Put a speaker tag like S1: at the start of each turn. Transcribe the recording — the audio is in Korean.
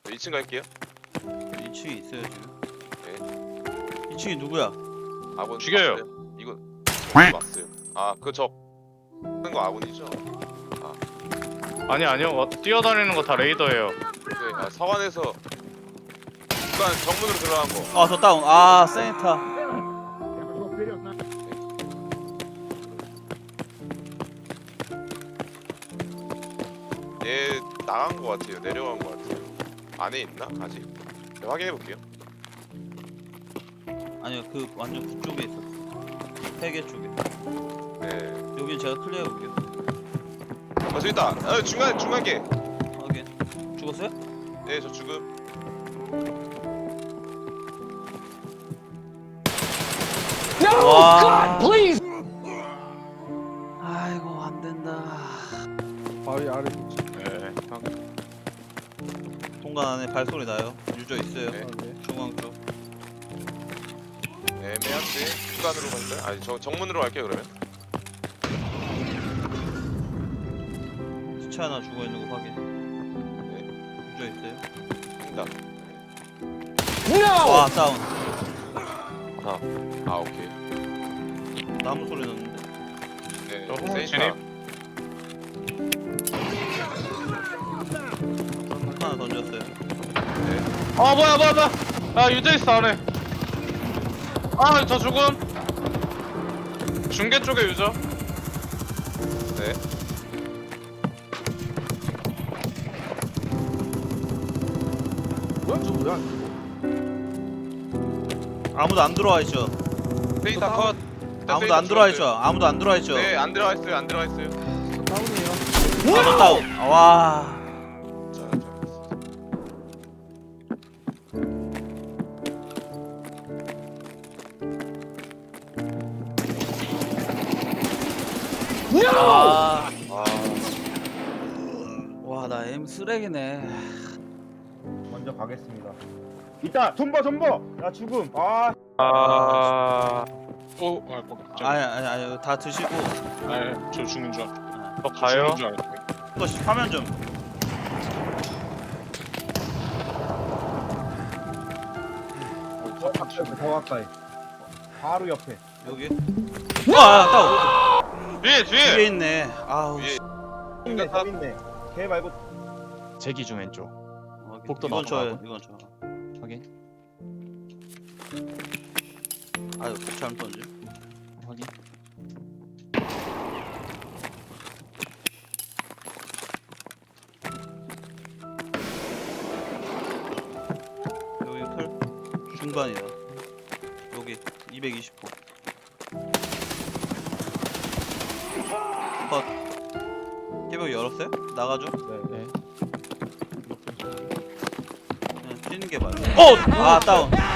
S1: 2층 갈게요.
S2: 2층에 있어요 지금.
S1: 네.
S2: 2층이 누구야?
S1: 아군
S3: 죽여요.
S1: 왔어요. 이거 왔어요. 아, 그저 하는 거 아군이죠?
S3: 아니요. 뛰어다니는 거 다 레이더예요.
S1: 네, 서관에서 중간 정문으로 들어간 거.
S2: 아 저 다운. 아 세니타.
S1: 얘 나간 거 같아요. 내려간 거 같아요. 안에 있나? 아직? 네, 확인해 볼게요.
S2: 아니요 그 완전 그쪽에 있었어. 세개 쪽에.
S1: 네.
S2: 여긴 제가 클리어 해볼게요.
S1: 저기 있다. 중간 게.
S2: 확인. 죽었어요?
S1: 네, 저 죽음.
S2: 와. 아이고 안 된다.
S4: 바위 아래
S3: 네.
S2: 동간 안에 발소리 나요. 유저 있어요.
S1: 네.
S2: 중앙 쪽.
S1: 애매한데 중간으로 갈까요? 아니, 저 정문으로 갈게요 그러면.
S2: 시체 하나 죽어 있는 거 확인.
S1: 네.
S2: 유저 있어요.
S1: 뛴다.
S2: 와 다운.
S1: 아, 오케이.
S2: 나무 소리 났는데.
S1: 네.
S3: 저
S1: 세이시다.
S2: 하나 던졌어요.
S3: 아 뭐야. 아 유저 있어 안에. 아 저 죽음. 중계 쪽에 유저.
S1: 네.
S4: 뭐야 저 뭐야?
S2: 아무도 안 들어와 있죠.
S1: 세이타 컷. 일단
S2: 아무도
S1: 세이타
S2: 안 들어와 있죠.
S1: 죽었어요.
S2: 아무도 안 들어와 있죠.
S1: 네, 안 들어가 있어요. 안 들어가 있어요.
S4: 다운이에요.
S2: 아무 다운. 아, 와.
S1: 자.
S2: 아.
S1: 아,
S2: 와, 나 M 쓰레기네.
S4: 먼저 가겠습니다. 이따 존버. 나 죽음. 아
S2: 아니, 다 드시고.
S3: 저 죽는 줄.
S2: 아,
S3: 저 가요.
S2: 또 화면 좀.
S4: 더 가까이. 바로 옆에.
S2: 여기. 다운.
S3: 뒤에.
S2: 뒤에 있네. 아우.
S1: 위에
S4: 있네. 더 있네. 걔 말고
S5: 제 기준 왼쪽. 복도
S2: 이건 저예요.
S5: 나가고.
S2: 이건 저.
S5: 확인.
S2: 아유, 잘못 던지.
S5: 확인.
S2: 여기 털 중반이다. 여기 220호. 컷. 깨벽 열었어요? 나가죠?
S5: 네.
S2: 그냥 뛰는 게 맞아. 아 다운.